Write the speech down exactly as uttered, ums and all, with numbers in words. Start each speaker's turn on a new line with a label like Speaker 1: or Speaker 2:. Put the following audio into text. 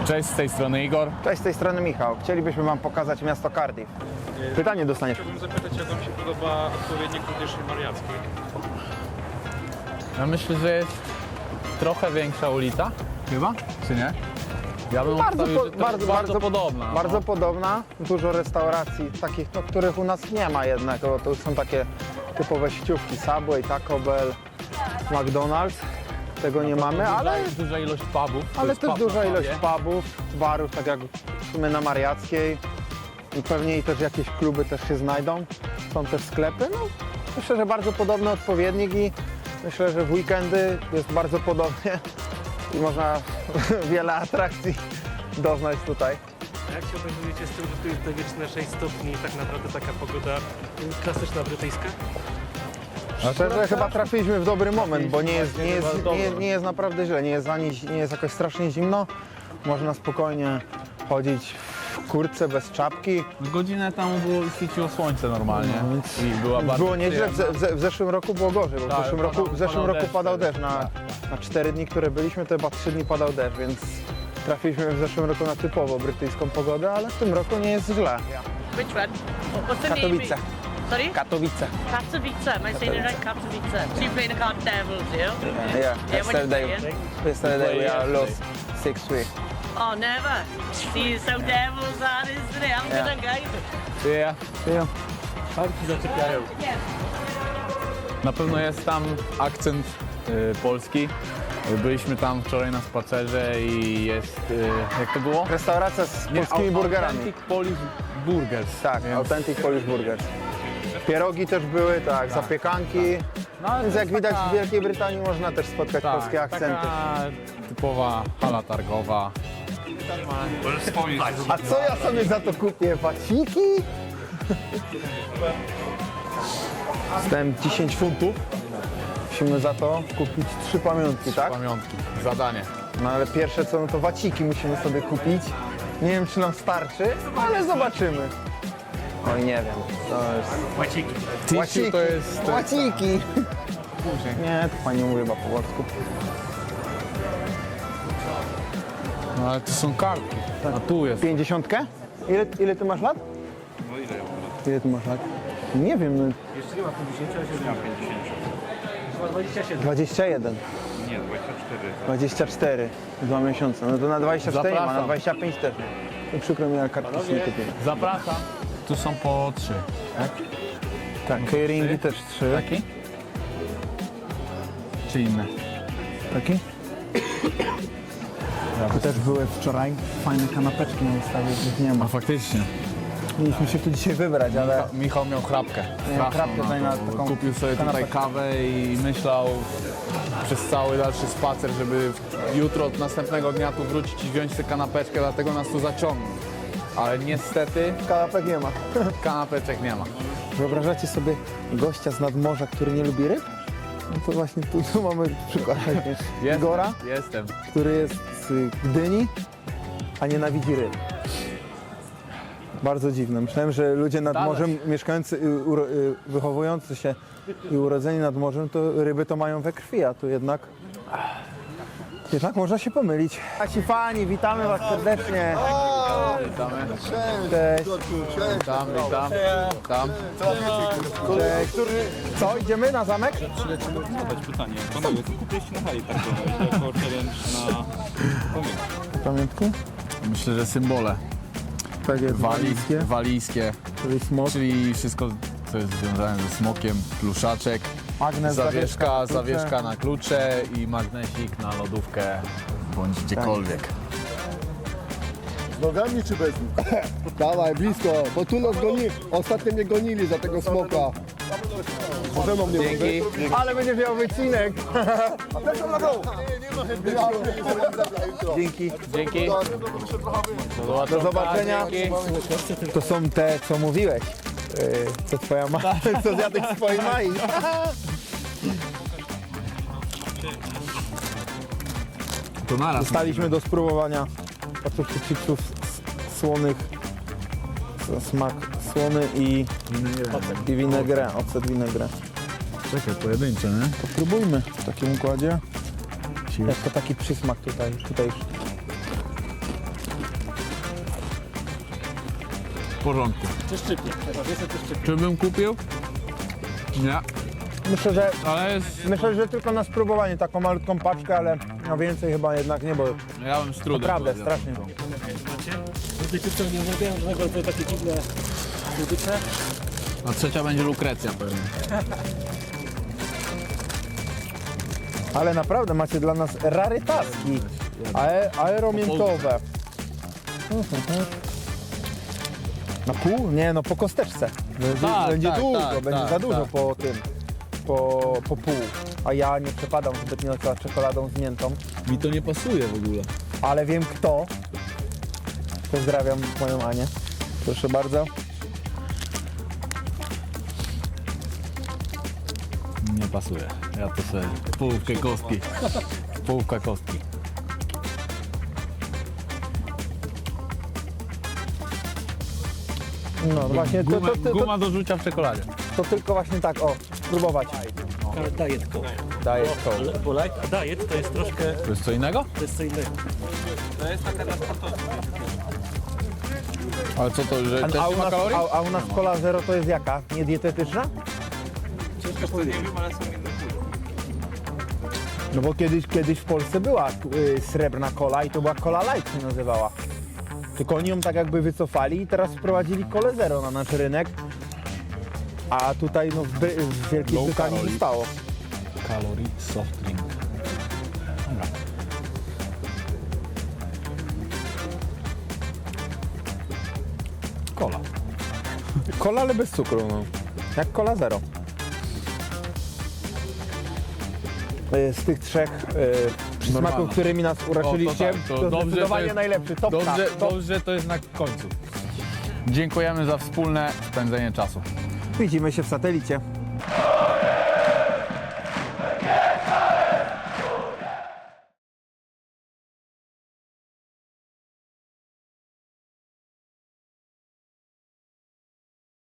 Speaker 1: Cześć, z tej strony Igor.
Speaker 2: Cześć, z tej strony Michał. Chcielibyśmy Wam pokazać miasto Cardiff. Pytanie dostaniesz.
Speaker 3: Chciałbym zapytać, jak Wam się podoba odpowiednik Rudyszy Mariackiej?
Speaker 1: Ja myślę, że jest trochę większa ulica, chyba, czy nie? Ja bym
Speaker 2: Bardzo,
Speaker 1: obstawił,
Speaker 2: po,
Speaker 1: że to
Speaker 2: bardzo,
Speaker 1: jest bardzo,
Speaker 2: bardzo
Speaker 1: podobna.
Speaker 2: Bardzo
Speaker 1: no.
Speaker 2: podobna. Dużo restauracji takich, no, których u nas nie ma jednak. Bo to są takie typowe sieciówki Subway, Taco Bell, McDonald's. Tego nie mamy,
Speaker 1: Duża,
Speaker 2: ale,
Speaker 1: duża ilość pubów. to
Speaker 2: ale
Speaker 1: jest
Speaker 2: też
Speaker 1: pub
Speaker 2: duża
Speaker 1: na
Speaker 2: ilość
Speaker 1: pubie.
Speaker 2: pubów, barów, tak jak w sumie na Mariackiej. I pewnie i też jakieś kluby też się znajdą. Są też sklepy. No, myślę, że bardzo podobny odpowiednik i myślę, że w weekendy jest bardzo podobnie i można wiele atrakcji doznać tutaj.
Speaker 4: Jak się organizujecie z tym, że tu jest te wieczne sześć stopni i tak naprawdę taka pogoda klasyczna brytyjska?
Speaker 2: Szczerze, chyba trafiliśmy w dobry moment, bo nie jest, nie jest,
Speaker 1: Bardzo
Speaker 2: nie,
Speaker 1: dobry.
Speaker 2: nie jest naprawdę źle, nie jest, ani, nie jest jakoś strasznie zimno. Można spokojnie chodzić w kurtce bez czapki.
Speaker 1: Godzinę temu było, świeciło słońce normalnie i była bardzo
Speaker 2: Było nieźle, w,
Speaker 1: przyjemna.
Speaker 2: ze, w zeszłym roku było gorzej, bo w
Speaker 1: Tak,
Speaker 2: zeszłym
Speaker 1: padał-
Speaker 2: roku, w zeszłym
Speaker 1: padał
Speaker 2: roku
Speaker 1: deszcz
Speaker 2: padał
Speaker 1: wtedy.
Speaker 2: deszcz. Na,
Speaker 1: Tak,
Speaker 2: na cztery dni, które byliśmy, to chyba trzy dni padał deszcz, więc trafiliśmy w zeszłym roku na typowo brytyjską pogodę, ale w tym roku nie jest źle.
Speaker 5: Which one? What's the
Speaker 2: Katowice.
Speaker 5: name? Sorry?
Speaker 2: Katowice.
Speaker 5: Katowice. Am I saying it right? Katowice. So you play the card Devils, yeah?
Speaker 2: Yeah,
Speaker 5: Yeah, when you
Speaker 2: yesterday,
Speaker 5: playing?
Speaker 2: yesterday we are
Speaker 1: yesterday.
Speaker 2: lost six three.
Speaker 5: Oh, never. See, so Devils are, isn't it? I'm
Speaker 2: Yeah.
Speaker 5: gonna guide it.
Speaker 1: Yeah.
Speaker 2: Yeah.
Speaker 4: Parki zaczepiają.
Speaker 1: Na pewno jest tam akcent y, polski. Byliśmy tam wczoraj na spacerze i jest, y, jak to było?
Speaker 2: Restauracja z polskimi
Speaker 1: au-
Speaker 2: burgerami.
Speaker 1: Authentic Polish Burgers.
Speaker 2: Tak,
Speaker 1: Więc-
Speaker 2: Authentic Polish Burgers. Pierogi też były, tak, zapiekanki.
Speaker 1: No, ale
Speaker 2: Więc
Speaker 1: to
Speaker 2: jak
Speaker 1: jest
Speaker 2: widać
Speaker 1: taka-
Speaker 2: w Wielkiej Brytanii można też spotkać
Speaker 1: tak,
Speaker 2: polskie akcenty.
Speaker 1: Taka typowa hala targowa.
Speaker 2: A co ja sobie za to kupię? Waciki? Dostałem dziesięć funtów. Musimy za to kupić trzy pamiątki, tak?
Speaker 1: Pamiątki, zadanie.
Speaker 2: No ale pierwsze co, no to waciki musimy sobie kupić. Nie wiem czy nam starczy, ale zobaczymy. Oj nie wiem, to jest...
Speaker 4: Łaciki.
Speaker 1: Tissue to jest... To jest
Speaker 2: Łaciki! Nie, to pani mówi chyba po polsku.
Speaker 1: no ale to są kartki. A tu jest.
Speaker 2: Pięćdziesiątkę? Ile, ile ty masz lat?
Speaker 3: No ile ja mam lat?
Speaker 2: Ile ty masz lat? Nie wiem, no
Speaker 4: Jeszcze nie ma pięćdziesiąt, a się
Speaker 3: Ja mam pięćdziesiąt.
Speaker 4: chyba dwadzieścia siedem.
Speaker 2: dwadzieścia jeden,
Speaker 3: Nie, dwadzieścia cztery.
Speaker 2: dwadzieścia cztery, dwa miesiące. No to na dwadzieścia cztery nie ma, na
Speaker 1: Zapraszam.
Speaker 2: dwadzieścia pięć też nie. No przykro mi, ale kartki się nie kupię.
Speaker 1: Zapraszam. Tu są po trzy. Tak?
Speaker 2: Tak, keyringi też trzy.
Speaker 1: Taki? Czy inne?
Speaker 2: Taki? Tu też były wczoraj fajne kanapeczki na wystawie, już nie ma.
Speaker 1: A faktycznie.
Speaker 2: Mieliśmy się tu dzisiaj wybrać, ale
Speaker 1: Michał miał chrapkę. Straszną
Speaker 2: chrapkę
Speaker 1: na
Speaker 2: tutaj
Speaker 1: to,
Speaker 2: na
Speaker 1: bo
Speaker 2: taką
Speaker 1: Kupił sobie tutaj
Speaker 2: kanapeczkę.
Speaker 1: kawę i myślał przez cały dalszy spacer, żeby jutro od następnego dnia tu wrócić i wziąć tę kanapeczkę, dlatego nas tu zaciągnął. Ale niestety
Speaker 2: kanapek nie ma.
Speaker 1: kanapeczek nie ma.
Speaker 2: Wyobrażacie sobie gościa z nadmorza, który nie lubi ryb? No to właśnie tu, tu mamy przykład
Speaker 1: Jestem,
Speaker 2: Igora,
Speaker 1: Jestem.
Speaker 2: który jest z Gdyni, a nienawidzi ryb. Bardzo dziwne. Myślałem, że ludzie nad
Speaker 1: Dalej.
Speaker 2: morzem mieszkający, y, uro, y, wychowujący się i urodzeni nad morzem, to ryby to mają we krwi, a tu jednak... Jednak można się pomylić. Nasi fani, witamy Was serdecznie.
Speaker 1: Witamy.
Speaker 2: Cześć.
Speaker 1: Witam, witam. Witam.
Speaker 2: Cześć. Co, idziemy na zamek?
Speaker 3: Lecimy zadać pytanie. Panowie, co kupiliście na hali targowej jako challenge na pamięć?
Speaker 2: Pamiętki?
Speaker 1: Myślę, że symbole.
Speaker 2: Tak jest,
Speaker 1: Wali,
Speaker 2: walijskie,
Speaker 1: walijskie,
Speaker 2: czyli smok,
Speaker 1: czyli wszystko, co jest związane ze smokiem, pluszaczek,
Speaker 2: magnes,
Speaker 1: zawieszka,
Speaker 2: klucze.
Speaker 1: zawieszka na klucze i magnesik na lodówkę bądź gdziekolwiek.
Speaker 6: Z nogami czy bez nich? Dawaj, blisko, bo tu nas goni. Ostatnio mnie gonili za tego smoka. Ze mną nie
Speaker 1: Dzięki.
Speaker 2: Ale będzie miał wycinek. Dzięki.
Speaker 1: Dzięki.
Speaker 2: Do zobaczenia.
Speaker 1: Dzięki.
Speaker 2: To są te, co mówiłeś. Yy, co twoja ma, co zjadłeś swojej mai.
Speaker 1: To naraz.
Speaker 2: Dostaliśmy do spróbowania oczywiście chipsów s- słonych, s- smak słony i, i winegrę, ocet winegrę.
Speaker 1: Czekaj, pojedyncze, nie?
Speaker 2: To spróbujmy w takim układzie. Jak to taki przysmak tutaj, tutaj
Speaker 1: w porządku.
Speaker 4: Czy szczypnie? Najważniejsze czy szczypnie.
Speaker 1: Czy bym kupił? Nie,
Speaker 2: Myślę, że
Speaker 1: ale jest,
Speaker 2: myślę, że tylko na spróbowanie taką malutką paczkę, ale no więcej chyba jednak nie, bo
Speaker 1: ja bym z trudem
Speaker 2: naprawdę
Speaker 1: powiedział.
Speaker 2: strasznie.
Speaker 4: Macie? Tutaj co nie umawiałem żadnego rodzaju takie dziwne słodycze.
Speaker 1: A trzecia będzie lukrecja pewnie.
Speaker 2: Ale naprawdę macie dla nas rarytaski. Ae, aeromiętowe. Na pół? Nie, no po kosteczce. Będzie,
Speaker 1: Tak,
Speaker 2: będzie
Speaker 1: tak,
Speaker 2: dużo,
Speaker 1: tak,
Speaker 2: będzie
Speaker 1: tak,
Speaker 2: za dużo
Speaker 1: tak.
Speaker 2: po tym. Po, po pół. A ja nie przepadam zbytnio za czekoladą z miętą.
Speaker 1: Mi to nie pasuje w ogóle.
Speaker 2: Ale wiem kto. Pozdrawiam moją Anię. Proszę bardzo.
Speaker 1: Nie pasuje. Ja to sobie połówkę kostki. Połówka kostki.
Speaker 2: No właśnie, to,
Speaker 1: Guma,
Speaker 2: to, to, to,
Speaker 1: guma do rzucia w czekoladzie.
Speaker 2: to tylko właśnie tak, o, spróbować.
Speaker 4: Ale diet coke.
Speaker 2: Daję to.
Speaker 4: Ale- Bo light, a diet to jest troszkę,
Speaker 1: To jest co innego?
Speaker 4: to jest co innego.
Speaker 3: To jest taka dla sportowców.
Speaker 1: Ale co to, że
Speaker 2: A,
Speaker 1: też
Speaker 2: a,
Speaker 1: nie
Speaker 2: u
Speaker 1: ma
Speaker 2: nas,
Speaker 1: kalorii?
Speaker 2: a, a u nas cola zero to jest jaka? Niedietetyczna?
Speaker 3: Wiesz co, nie wiem, ale są inne kulki.
Speaker 2: No bo kiedyś, kiedyś w Polsce była y, srebrna cola i to była cola light się nazywała. Tylko oni ją tak jakby wycofali i teraz wprowadzili kolę zero na nasz rynek. A tutaj no, w, Bry- w Wielkiej
Speaker 1: Low
Speaker 2: Brytanii
Speaker 1: calorie.
Speaker 2: zostało.
Speaker 1: Kalorii soft drink. Dobra. Kola.
Speaker 2: Cola, ale bez cukru, no. Jak cola zero. Y, Z tych trzech y, przysmaków,
Speaker 1: Normalna.
Speaker 2: którymi nas uraczyliście,
Speaker 1: O, to tak, to
Speaker 2: to,
Speaker 1: dobrze,
Speaker 2: zdecydowanie
Speaker 1: to jest-
Speaker 2: najlepszy. Topka.
Speaker 1: Dobrze,
Speaker 2: Top.
Speaker 1: dobrze to jest na końcu. Dziękujemy za wspólne spędzenie czasu.
Speaker 2: Widzimy się w satelicie.